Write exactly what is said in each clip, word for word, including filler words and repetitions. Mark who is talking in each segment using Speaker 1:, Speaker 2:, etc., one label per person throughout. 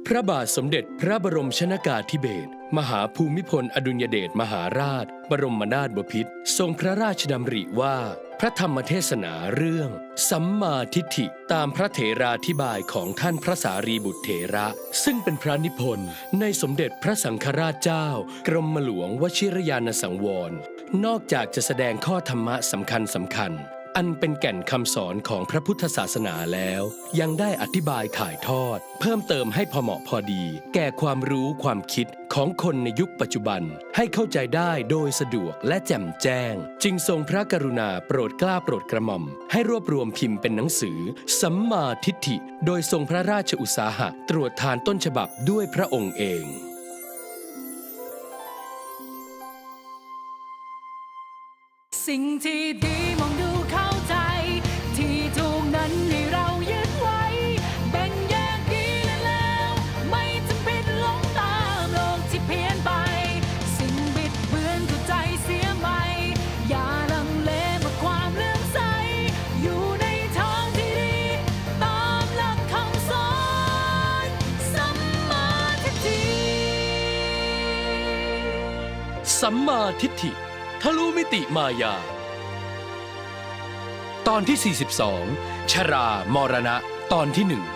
Speaker 1: ระบาทสมเด็จพระบรมชนกาธิเบศรมหาภูมิพลอดุลยเดชมหาราชบรมนาถบพิตรทรงพระราชดำริว่าพระธรรมเทศนาเรื่องสัมมาทิฏฐิตามพระเถราธิบายของท่านพระสารีบุตรเถระซึ่งเป็นพระนิพนธ์ในสมเด็จพระสังฆราชเจ้ากรมหลวงวชิรยานสังวรนอกจากจะแสดงข้อธรรมะสำคัญสำคัญอันเป็นแก่นคำสอนของพระพุทธศาสนาแล้วยังได้อธิบายถ่ายทอดเพิ่มเติมให้พอเหมาะพอดีแก่ความรู้ความคิดของคนในยุคปัจจุบันให้เข้าใจได้โดยสะดวกและแจ่มแจ้งจึงทรงพระกรุณาโปรดเกล้าโปรดกระหม่อมให้รวบรวมพิมพ์เป็นหนังสือสัมมาทิฏฐิโดยทรงพระราชอุตสาหะตรวจทานต้นฉบับด้วยพระองค์เอง
Speaker 2: สิ่งที่ดีมองดูเข้าใจที่ถูกนั้นให้เรายึดไว้แบ่งแยกดีและแล้วไม่จำเป็นหลงตามโลกที่เพี้ยนไปสิ่งบิดเบือนเข้าใจเสียไหมอย่าลังเลเมื่อความเลื่อมใสอยู่ในทางที่ดีตามหลักคำสอนสัมมาทิฏฐิ
Speaker 1: สัมมาทิฏฐิทะลุมิติมายาตอนที่สี่สิบสองชรามรณะตอนที่หนึ่ง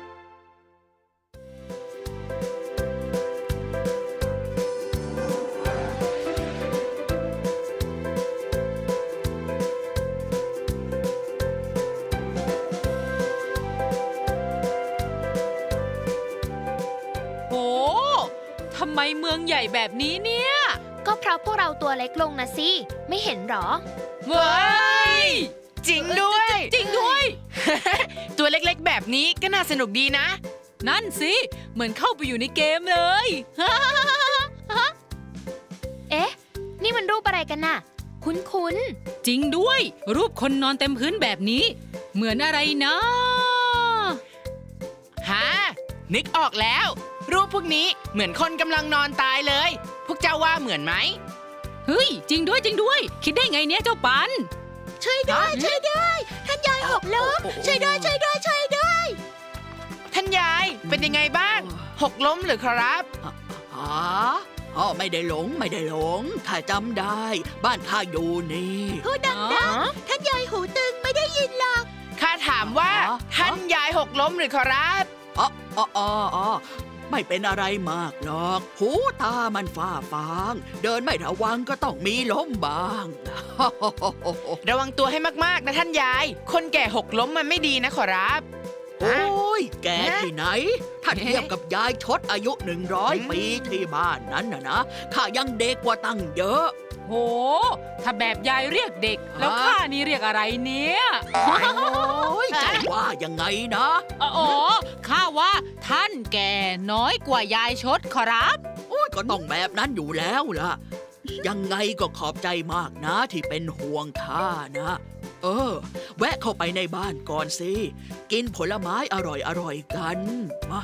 Speaker 2: โหทำไมเมืองใหญ่แบบนี้เนี่ย
Speaker 3: ก็เพราะพวกเราตัวเล็กลงนะสิไม่เห็นหรอ
Speaker 2: เว้ย
Speaker 4: จริงด้วย
Speaker 2: จริงด้วย
Speaker 4: ตัวเล็กๆแบบนี้ก็น่าสนุกดีนะ
Speaker 2: นั่นสิเหมือนเข้าไปอยู่ในเกมเลย
Speaker 3: เอ๊ะนี่มันรูปอะไรกันน่ะคุ้น
Speaker 2: ๆจริงด้วยรูปคนนอนเต็มพื้นแบบนี้เหมือนอะไรนะ
Speaker 4: ฮะนึกออกแล้วรูปพวกนี้เหมือนคนกำลังนอนตายเลยพวกเจ้าว่าเหมือนไหม
Speaker 2: เฮ้ยจริงด้วยจริงด้วยคิดได้ไงเนี่ยเจ้าปัน
Speaker 3: ช่วยด้วยช่วยด้วยท่านยายหกล้มช่วยด้วยช่วยด้วยช่วยด้วย
Speaker 4: ท่านยายเป็นยังไงบ้างหกล้มหรือครับ
Speaker 5: อ๋ออ๋อไม่ได้หลงไม่ได้หลงข้าจำได้บ้านข้าอยู่นี่
Speaker 3: พูดดังๆท่านยายหูตึงไม่ได้ยินหรอก
Speaker 4: ข้าถามว่าท่านยายหกล้มหรือครับ
Speaker 5: อ๋ออ๋ออ๋อไม่เป็นอะไรมากหรอกหูตามันฝ้าฟางเดินไม่ระวังก็ต้องมีล้มบ้าง
Speaker 4: ระวังตัวให้มากๆนะท่านยายคนแก่หกล้มมันไม่ดีนะขอรับ
Speaker 5: โอ้ยแกที่ไหนถ้าเทียบกับยายชดอายุหนึ่งร้อยปีที่บ้านนั้นนะนะข้ายังเด็กกว่าตั้งเยอะ
Speaker 2: โหถ้าแบบยายเรียกเด็กแล้วข้านี่เรียกอะไรเนี่ย
Speaker 5: โอ้ยใจว่ายังไงนะ
Speaker 2: อ๋อข้าว่าท่านแก่น้อยกว่ายายชดขอรับ
Speaker 5: โอ้ยก็ต้องแบบนั้นอยู่แล้วล่ะยังไงก็ขอบใจมากนะที่เป็นห่วงข้านะเออแวะเข้าไปในบ้านก่อนสิกินผลไม้อร่อยๆกันมา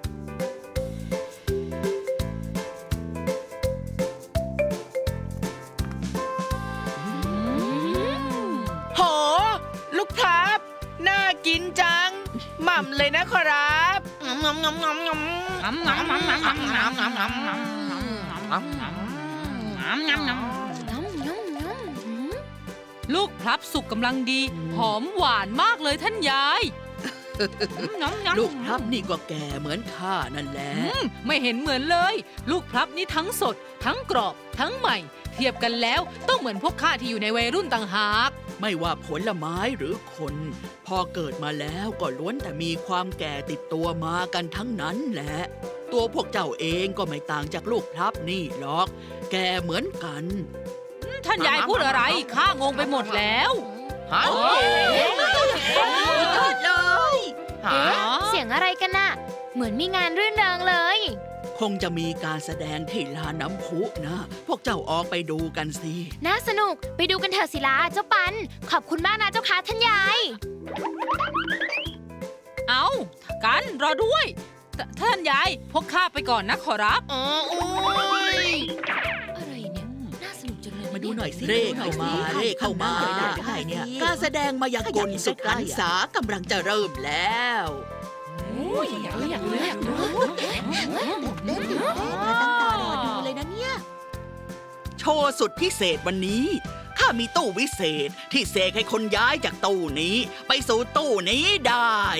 Speaker 4: โหลูกพลับน่ากินจังหม่ำเลยนะขอรับงำงำงำงำงำงำงำงำงำงำงำงำงำงำงำงำงำงำ
Speaker 2: ลูกพลับสุกกำลังดีหอมหวานมากเลยท่านยาย
Speaker 5: ลูกพลับนี่ก็แก่เหมือนข้านั่นแหละ
Speaker 2: ไม่เห็นเหมือนเลยลูกพลับนี่ทั้งสดทั้งกรอบทั้งใหม่เทียบกันแล้วต้องเหมือนพวกข้าที่อยู่ในวัยรุ่นต่างหาก
Speaker 5: ไม่ว่าผลไม้หรือคนพอเกิดมาแล้วก็ล้วนแต่มีความแก่ติดตัวมากันทั้งนั้นแหละตัวพวกเจ้าเองก็ไม่ต่างจากลูกพลับนี่หรอกแก่เหมือนกัน
Speaker 2: ท่านยายพูดอะไรข้างงไปหมดแล้ว
Speaker 3: ฮะเลยเสียงอะไรกันน่ะเหมือนมีงานรื่นเริงเลย
Speaker 5: คงจะมีการแสดงที่ลานน้ำพุนะพวกเจ้าออกไปดูกันสิ
Speaker 3: น่าสนุกไปดูกันเถอะศิลาเจ้าปันขอบคุณมากนะเจ้าค่ะท่านยาย
Speaker 2: เอากันรอด้วยท่านยายพวกข้าไปก่อนนะขอรับ
Speaker 4: อ๋อโอ้ย
Speaker 3: อะไรเนี่ยน่าสนุกจังเลย
Speaker 5: มาดูหน่อยสิเร่เข้ามาเร่เข้ามาได้เนี่ยการแสดงมายากลสุดพรรษากำลังจะเริ่มแล้ว
Speaker 2: โอ้
Speaker 3: ยอยากรู้อยากรู้อยากรู้เต้นตื่นเต้นมาตั้งตารอดูเลยนะเนี่ย
Speaker 5: โชว์สุดพิเศษวันนี้ข้ามีตู้วิเศษที่เสกให้คนย้ายจากตู้นี้ ไปสู่ตู้นี้ได้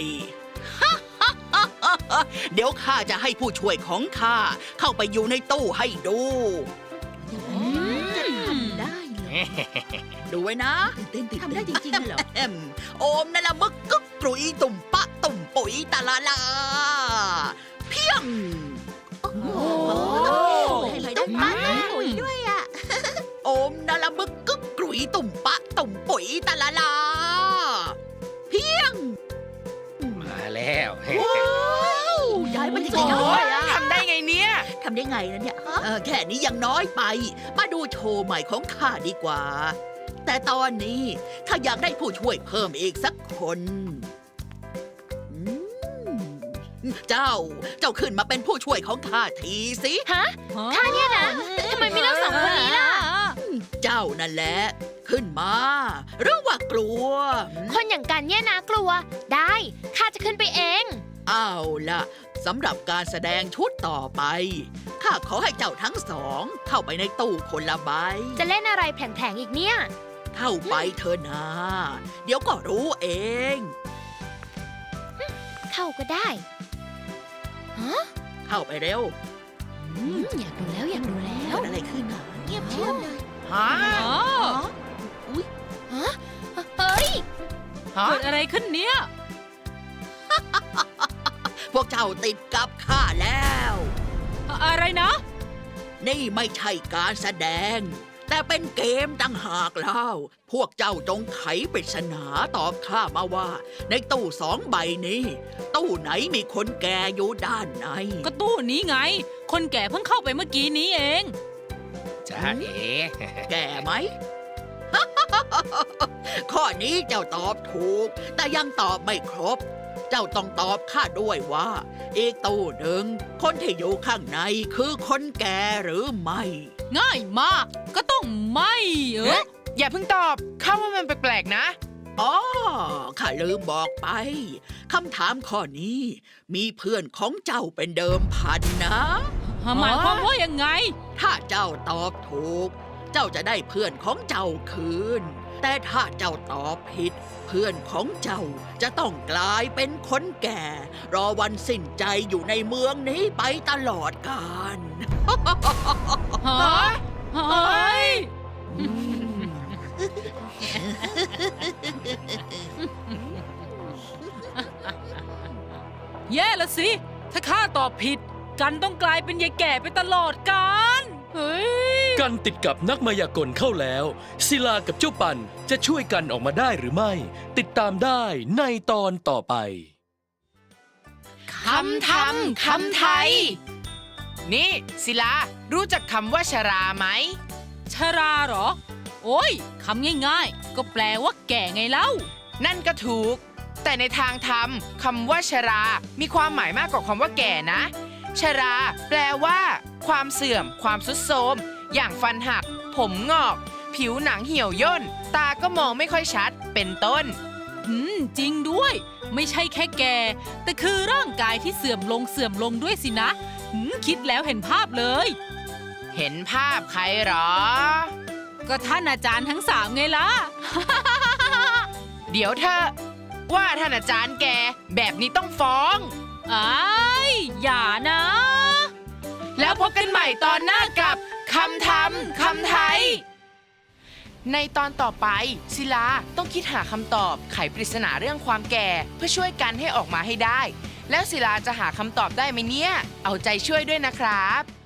Speaker 5: เดี๋ยวข้าจะให้ผู้ช่วยของข้าเข้าไปอยู่ในตู้ให้ดู
Speaker 3: จะทำได้เหรอ
Speaker 5: ดูไว้นะ
Speaker 3: เต้นทำได้จริงๆเหรอ
Speaker 5: แอมโอมนั่นละมึกกึกกรุยตุ่มปะตุ่มปุ๋ยตะละลา เพียง
Speaker 3: โอ้โหให้ได้ปั้นได้ปุ๋ยด้วยอ่ะ
Speaker 5: โอมนั่นละมึกกึกกรุยตุ่มปะตุ่มปุ๋ยตะละลา เพียง
Speaker 1: มาแล้ว
Speaker 3: ว้าวย้ายมันสุดยอ
Speaker 4: โอ้
Speaker 3: ด
Speaker 4: ย
Speaker 3: อ่ะ
Speaker 4: ทำได้ไงเนี่ย
Speaker 3: ทำได้ไงนะเนี่ยฮะ
Speaker 5: เออแค่นี้ยังน้อยไป มาดูโชว์ใหม่ของข้าดีกว่า แต่ตอนนี้ข้าอยากได้ผู้ช่วยเพิ่มอีกสักคนอืมเจ้า เจ้าขึ้นมาเป็นผู้ช่วยของข้าทีสิ
Speaker 6: ฮะข้าเนี่ยนะทำไมไม่เลือกสองคนนี้ล่ะ
Speaker 5: เจ้านั่นแหละ ขึ้นมาหรือว่ากลัว
Speaker 6: คนอย่างกันเนี่ยนะกลัว ได้ข้าจะขึ้นไปเอง
Speaker 5: เอาล่ะสำหรับการแสดงชุดต่อไปข้าขอให้เจ้าทั้งสอง เข้าไปในตู้คนละใบ
Speaker 6: จะเล่นอะไรแผลงๆอีกเนี่ย
Speaker 5: เข้าไปเถอะนะ เดี๋ยวก็รู้เอง
Speaker 6: เข้าก็ได้ฮะ
Speaker 5: เข้าไปเร็ว
Speaker 6: อืมอยากดูแล้วอยากดูแล้ว
Speaker 5: เกิดอะไรขึ้นอ่ะ
Speaker 3: เงียบเชียบเลย
Speaker 4: ฮะ
Speaker 6: ฮะเฮ้ย
Speaker 4: ฮะ
Speaker 2: เกิดอะไรขึ้นเนี่ย
Speaker 5: พวกเจ้าติดกับข้าแล้ว
Speaker 2: อะไรนะ
Speaker 5: นี่ไม่ใช่การแสดง แต่เป็นเกมต่างหากเล่า พวกเจ้าจงไขปริศนาตอบข้ามาว่า ในตู้สองใบนี้ ตู้ไหนมีคนแก่อยู่ด้านใน
Speaker 2: ก็ตู้นี้ไง คนแก่เพิ่งเข้าไปเมื่อกี้นี้เอง
Speaker 1: จ้าเอ๋
Speaker 5: แก่ไหม ข้อนี้เจ้าตอบถูก แต่ยังตอบไม่ครบ เจ้าต้องตอบข้าด้วยว่า อีกตู้หนึ่งคนที่อยู่ข้างในคือคนแก่หรือไม่
Speaker 2: ง่ายมาก ก็ต้องไม่เอ
Speaker 4: เอ๊ะ
Speaker 2: อ
Speaker 4: อย่าเพิ่งตอบข้าว่ามันแปลกๆนะ
Speaker 5: อ๋อ ข้าลืมบอกไป คำถามข้อนี้ มีเพื่อนของเจ้าเป็นเดิมพันนะ
Speaker 2: หมายความว่ายังไง
Speaker 5: ถ้าเจ้าตอบถูก เจ้าจะได้เพื่อนของเจ้าคืน แต่ถ้าเจ้าตอบผิด เพื่อนของเจ้าจะต้องกลายเป็นคนแก่ รอวันสิ้นใจอยู่ในเมืองนี้ไปตลอดกาล
Speaker 2: ฮะเฮ้ย แย่ละสิ ถ้าข้าตอบผิด กันต้องกลายเป็นยายแก่ไปตลอดกาลเฮ้ย
Speaker 1: กันติดกับนักมายากลเข้าแล้ว ศิลากับเจ้าปันจะช่วยกันออกมาได้หรือไม่ ติดตามได้ในตอนต่อไป
Speaker 4: คำทำคำไทย นี่ศิลา รู้จักคำว่าชราไหม
Speaker 2: ชราเหรอ โอ้ย คำง่ายๆ ก็แปลว่าแก่ไงเล่า
Speaker 4: นั่นก็ถูก แต่ในทางธรรมคำว่าชรา มีความหมายมากกว่าคำว่าแก่นะ ชรา แปลว่า ความเสื่อม ความทรุดโทรมอย่างฟันหัก ผมงอก ผิวหนังเหี่ยวย่น ตาก็มองไม่ค่อยชัด เป็นต้น
Speaker 2: อืม จริงด้วย ไม่ใช่แค่แก่ แต่คือร่างกายที่เสื่อมลงเสื่อมลงด้วยสินะหืมคิดแล้วเห็นภาพเลย
Speaker 4: เห็นภาพใครหรอ
Speaker 2: ก็ท่านอาจารย์ทั้งสามไงล่ะ
Speaker 4: เดี๋ยวเธอ ว่าท่านอาจารย์แก แบบนี้ต้องฟ้อง
Speaker 2: อ้ายอย่านะ
Speaker 4: แล้วพบกันใหม่ตอนหน้ากับคำทำคำไทย ในตอนต่อไปศิลาต้องคิดหาคำตอบไขปริศนาเรื่องความแก่เพื่อช่วยกันให้ออกมาให้ได้ แล้วศิลาจะหาคำตอบได้ไหมเนี่ย เอาใจช่วยด้วยนะครับ